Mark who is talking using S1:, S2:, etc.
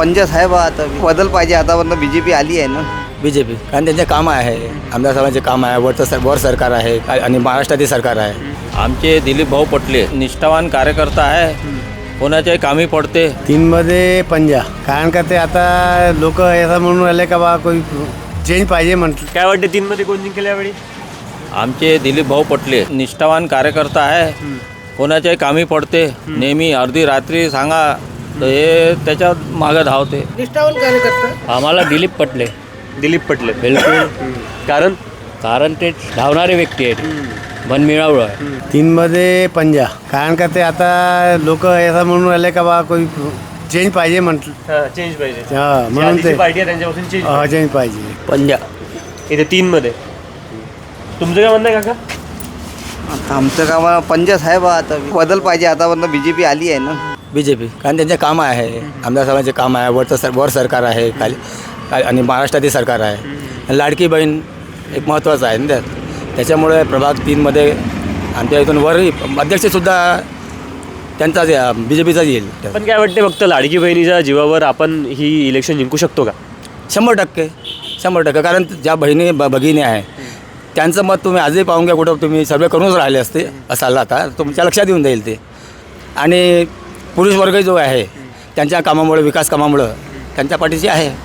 S1: पंजा साहेब आता बदल पाहिजे आतापर्यंत बीजेपी आली आहे ना.
S2: बीजेपी कारण त्यांचे काम आहे, आमदार साहेबांचे काम आहे, वर सरकार आहे आणि महाराष्ट्रातील सरकार आहे.
S3: आमचे दिलीप भाऊ पटले निष्ठावान कार्यकर्ता आहे, कोणाच्याही कामी पडते.
S4: 3 मध्ये पंजा कारण का ते आता लोक असं म्हणून राहिले का बा कोई चेंज पाहिजे म्हटलं.
S5: काय वाटते 3 मध्ये कोण जिंकेल यावेळी?
S3: आमचे दिलीप भाऊ पटले निष्ठावान कार्यकर्ता आहे, कोणाच्याही कामी पडते. नेहमी अर्धी रात्री सांगा तर हे त्याच्या मागं धावते.
S6: निष्ठावान कार्यकर्ता
S3: आम्हाला दिलीप पटले
S5: दिलीप पटले.
S3: बिलकुल,
S5: कारण
S3: ते धावणारे व्यक्ती आहेत, मनमिळावू आहे.
S4: 3 मध्ये पंजा कारण का ते आता लोक असं म्हणून राहिले का बा कोई चेंज पाहिजे म्हटलं.
S5: चेंज पाहिजे.
S4: म्हणून ते
S5: पार्टी आहे त्यांच्यापासून चेंज
S4: चेंज पाहिजे.
S2: पंजा
S5: इथे 3 मध्ये तुमचं काय म्हणणं आहे काका?
S1: आता आमचं काम पंजा साहेब आता बदल पाहिजे आतापर्यंत बीजेपी आली आहे ना.
S2: बीजेपी कारण त्यांचे काम आहे, आमदार साहेबांचे काम आहे, वर सरकार आहे आणि महाराष्ट्रातील सरकार आहे. आणि लाडकी बहीण एक महत्त्वाचं आहे ना त्याच्यामुळे प्रभाग 3 मध्ये आमच्या इथून वरही अध्यक्षसुद्धा त्यांचाच बीजेपीचाच येईल.
S5: पण काय वाटते फक्त लाडकी बहिणीच्या जीवावर आपण ही इलेक्शन जिंकू शकतो का?
S2: 100% कारण ज्या भगिनी आहे त्यांचं मत तुम्ही आजही पाहून घ्या, कुठं तुम्ही सर्वे करूनच राहिले असते असाल आता तुमच्या लक्षात येऊन जाईल ते. आणि पुरुष वर्ग जो आहे त्यांच्या कामामुळे, विकास कामामुळं त्यांच्या पाठीशी आहे.